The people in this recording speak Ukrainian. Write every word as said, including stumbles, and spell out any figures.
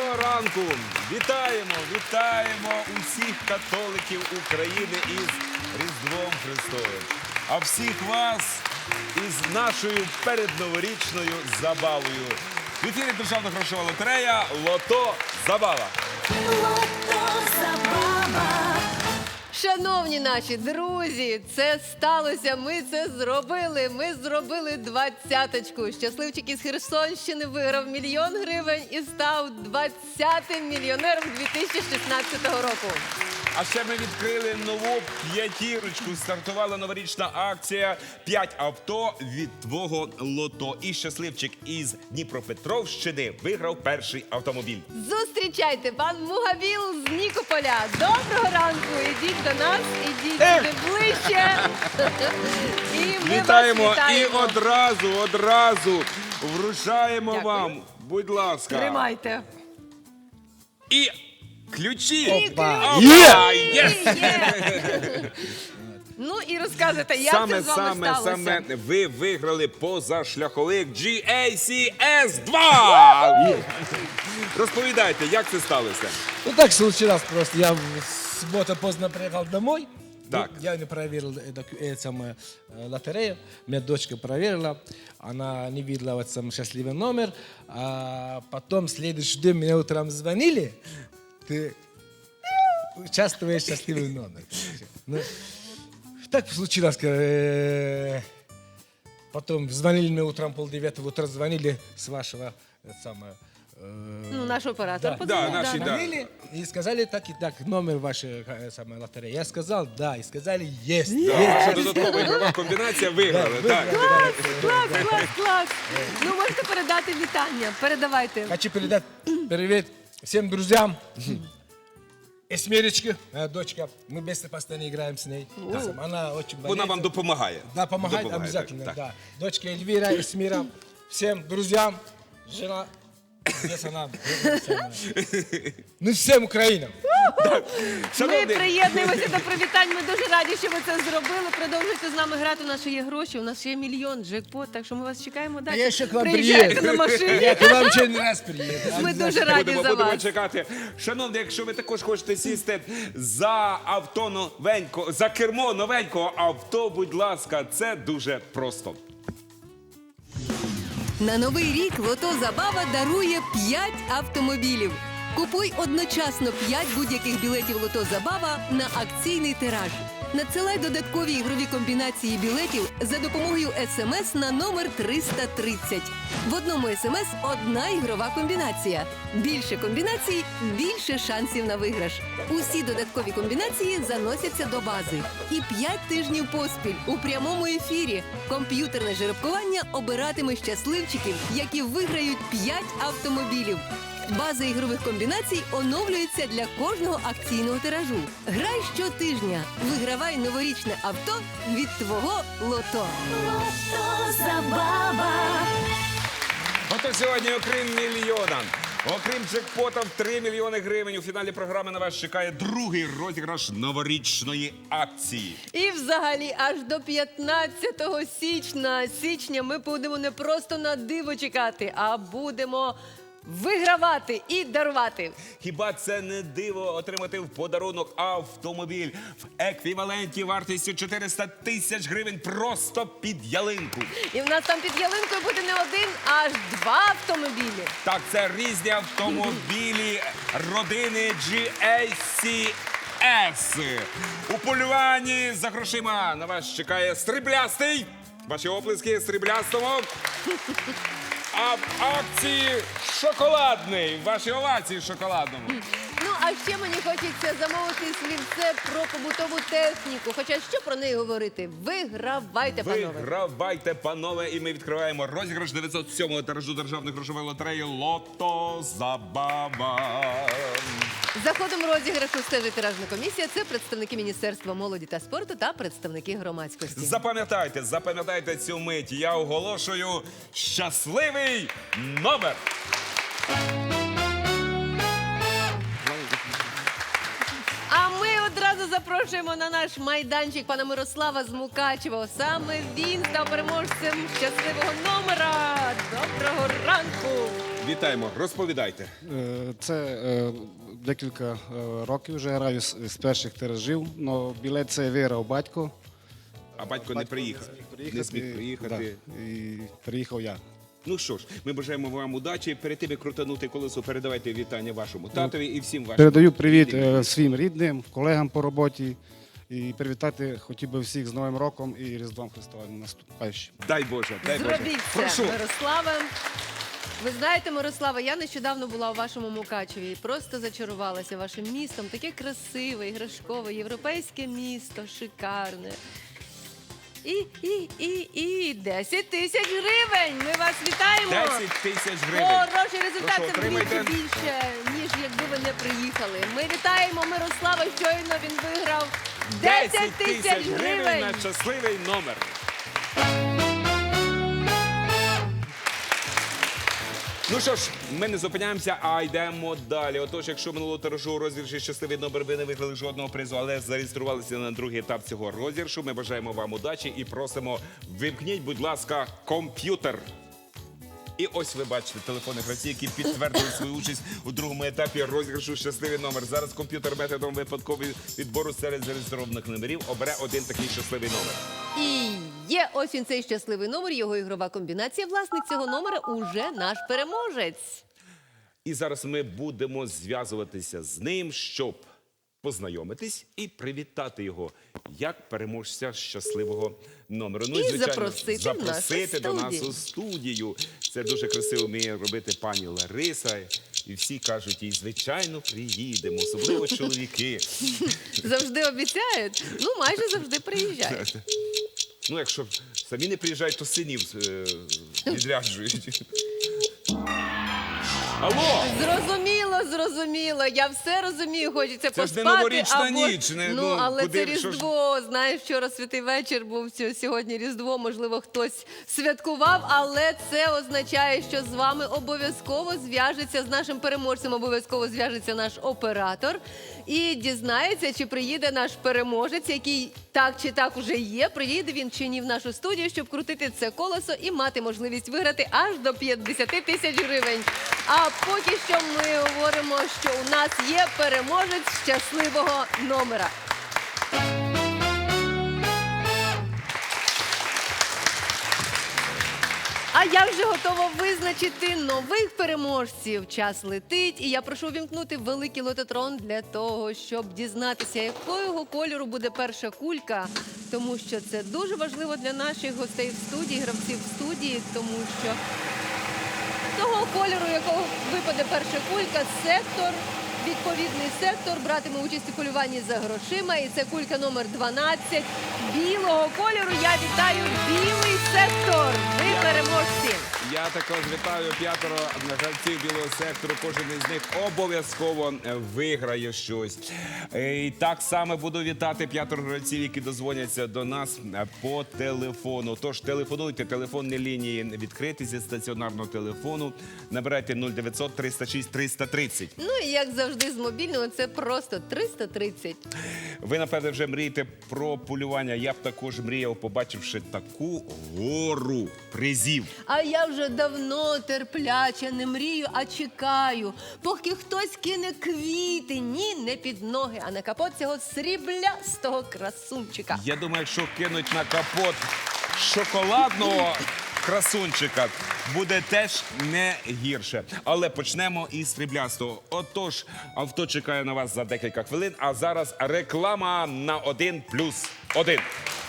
Доброго ранку! Вітаємо, вітаємо усіх католиків України із Різдвом Христовим. А всіх вас із нашою передноворічною забавою. В ефірі Державна грошова лотерея «Лото Забава». Шановні наші друзі, це сталося, ми це зробили. Ми зробили двадцяточку. Щасливчик із Херсонщини виграв мільйон гривень і став двадцятим мільйонером дві тисячі шістнадцятого року. А ще ми відкрили нову п'ятірочку. Стартувала новорічна акція «П'ять авто від твого лото». І щасливчик із Дніпропетровщини виграв перший автомобіль. Зустрічайте, пан Мугавіл з Нікополя. Доброго ранку, ідіть до нас, ідіть сюди ближче. І ми Вітаємо, вас вітаємо. і одразу, одразу вручаємо Дякую. вам, будь ласка. Тримайте. І ключі. Опа. Опа! Є! Є! Є! Ну і розказуйте, як Саме, це з вами саме, сталося? саме ви виграли позашляховик джі ей сі ес два. Розповідайте, як це сталося? Ну так случилось просто. Я в субботу поздно приехал домой. Так. Ну, я не проверил э, доку- э, самое, э, лотерею. Меня дочка проверила. Она не видела вот сам счастливый номер. А потом следующий день мне утром звонили. Ты участвуешь в счастливый номер. Ну, так случилось. э, Потом звонили мне утром полдевятого утра, звонили с вашего э, самое, э, Ну, наш оператор Да. подзвонив. Да, наші, да. звонили и сказали так и так, номер вашей э, самой лотереи. Я сказал да, и сказали есть. Ваша додаткова ігрова комбінація виграли. Так. Клас, клас, клас. Ну, можете передати вітання. Передавайте. Хочу передать привет всем друзьям. Эсмеречке, моя дочка. Мы вместе постоянно играем с ней. Она очень болеет. Вона вам допомагає. Да, помогает Допомагає, обязательно, так, так. да. Дочка Эльвира, Эсмира, всем друзьям, жена, здесь она. Ну, всем Украинам. Ми Шановні, приєднуємося до привітань. Ми дуже раді, що ви це зробили. Продовжуйте з нами грати. У нас ще є гроші, у нас ще є мільйон, джекпот. Так що ми вас чекаємо далі. я ще к вам Приїжджайте приїду. на машині. Я к вам еще не раз приеду. Ми дуже раді будемо, за будемо вас. чекати. Шановні, якщо ви також хочете сісти за авто новенького, за кермо новенького авто, будь ласка, це дуже просто. На новий рік Лото Забава дарує п'ять автомобілів. Купуй одночасно п'ять будь-яких білетів Лото Забава на акційний тираж. Надсилай додаткові ігрові комбінації білетів за допомогою смс на номер триста тридцять. В одному смс одна ігрова комбінація. Більше комбінацій – більше шансів на виграш. Усі додаткові комбінації заносяться до бази. І п'ять тижнів поспіль у прямому ефірі комп'ютерне жеребкування обиратиме щасливчиків, які виграють п'ять автомобілів. База ігрових комбінацій оновлюється для кожного акційного тиражу. Грай щотижня. Вигравай новорічне авто від твого лото. Ото сьогодні, окрім мільйона, окрім джекпота в три мільйони гривень, у фіналі програми на вас чекає другий розіграш новорічної акції. І взагалі аж до п'ятнадцятого січня, січня ми будемо не просто на диво чекати, а будемо вигравати і дарувати. Хіба це не диво отримати в подарунок автомобіль в еквіваленті вартістю чотириста тисяч гривень просто під ялинку? І в нас там під ялинкою буде не один, а аж два автомобілі. Так, це різні автомобілі родини джі ей сі ес. У полюванні за грошима на вас чекає сріблястий. Ваші оплески сріблястому. А в акції шоколадний. Ваші овації шоколадному. Ну, а ще мені хочеться замовити слівце про побутову техніку. Хоча що про неї говорити? Вигравайте, панове. Вигравайте, панове, і ми відкриваємо розіграш дев'ятсот сьомого тиражу Державної грошової лотереї «Лото Забава». За ходом розіграшу стежить тиражна комісія. Це представники Міністерства молоді та спорту та представники громадськості. Запам'ятайте, запам'ятайте цю мить. Я оголошую щасливий номер. А ми одразу запрошуємо запрошуємо на наш майданчик пана Мирослава з Мукачева. Саме він став переможцем щасливого номера. Доброго ранку! Вітаємо, розповідайте. Е, Це е, декілька е, років вже граю з, з перших тиражів, але білет це виграв батько. А батько не приїхав. Не зміг приїхати. Да, і приїхав я. Ну що ж, ми бажаємо вам удачі. Перед тим, як крутанути колесо, передавайте вітання вашому татові і всім вашим. Передаю привіт рідним. е, своїм рідним, колегам по роботі і привітати хотів би всіх з Новим роком і Різдвом Христовим наступаючим. Дай Боже, дай Боже. Зробіть це, Прошу. Мирославе. Ви знаєте, Мирослава, я нещодавно була у вашому Мукачеві і просто зачарувалася вашим містом. Таке красиве, іграшкове, європейське місто, шикарне. І, і, і, і десять тисяч гривень. Ми вас вітаємо. десять тисяч гривень. Хороший результат, Прошу, це отримайте. вдвічі більше, ніж якби ви не приїхали. Ми вітаємо Мирослава, щойно він виграв десять тисяч гривень. на щасливий номер. Ну що ж, ми не зупиняємося, а йдемо далі. Отож, якщо минулого тиражу у розіграші щасливий номер ви не виграли жодного призу, але зареєструвалися на другий етап цього розіграшу, ми бажаємо вам удачі і просимо, вимкніть, будь ласка, комп'ютер. І ось ви бачите телефонних гравців, які підтвердили свою участь у другому етапі розіграшу щасливий номер. Зараз комп'ютер методом випадкового відбору серед зареєстрованих номерів обере один такий щасливий номер. І є ось він цей щасливий номер, його ігрова комбінація. Власник цього номера уже наш переможець. І зараз ми будемо зв'язуватися з ним, щоб познайомитись і привітати його як переможця щасливого номеру. Ну І запросити в нашу запросити до нас студію. у студію. Це дуже красиво вміє робити пані Лариса. І всі кажуть їй, звичайно, приїдемо, особливо чоловіки. Завжди обіцяють, ну майже завжди приїжджають. Ну, якщо самі не приїжджають, то синів е, відряджують. Алло! Зрозуміло, зрозуміло. Я все розумію, хочеться Це ж поспати. не новорічна або... ніч, не- ну, ну, але куди- це що ж- Різдво. Знаєш, вчора святий вечір був, сьо- сьогодні Різдво. Можливо, хтось святкував, але це означає, що з вами обов'язково зв'яжеться, з нашим переможцем обов'язково зв'яжеться наш оператор і дізнається, чи приїде наш переможець, який так чи так уже є, приїде він чи ні в нашу студію, щоб крутити це колесо і мати можливість виграти аж до п'ятдесят тисяч гривень. А поки що ми говоримо, що у нас є переможець щасливого номера. А я вже готова визначити нових переможців. Час летить, і я прошу вімкнути великий лототрон для того, щоб дізнатися, якого кольору буде перша кулька, тому що це дуже важливо для наших гостей в студії, гравців в студії, тому що того кольору, якого випаде перша кулька, сектор, відповідний сектор братиме участь у полюванні за грошима. І це кулька номер дванадцять білого кольору. Я вітаю білий сектор. Ви переможці. Я також вітаю п'ятеро гравців білого сектору. Кожен із них обов'язково е, виграє щось. Е, І так само буду вітати п'ятеро гравців, які дозвоняться до нас е, по телефону. Тож телефонуйте, телефонні лінії відкриті зі стаціонарного телефону. Набирайте нуль дев'ятсот триста шість триста тридцять. Ну і як завжди з мобільного, це просто триста тридцять. Ви, напевне, вже мрієте про полювання. Я б також мріяв, побачивши таку гору призів. А я вже давно терпляче не мрію, а чекаю, поки хтось кине квіти. Ні, не під ноги, а на капот цього сріблястого красунчика. Я думаю, якщо кинуть на капот шоколадного красунчика, буде теж не гірше. Але почнемо із сріблястого. Отож, авто чекає на вас за декілька хвилин, а зараз реклама на один плюс один.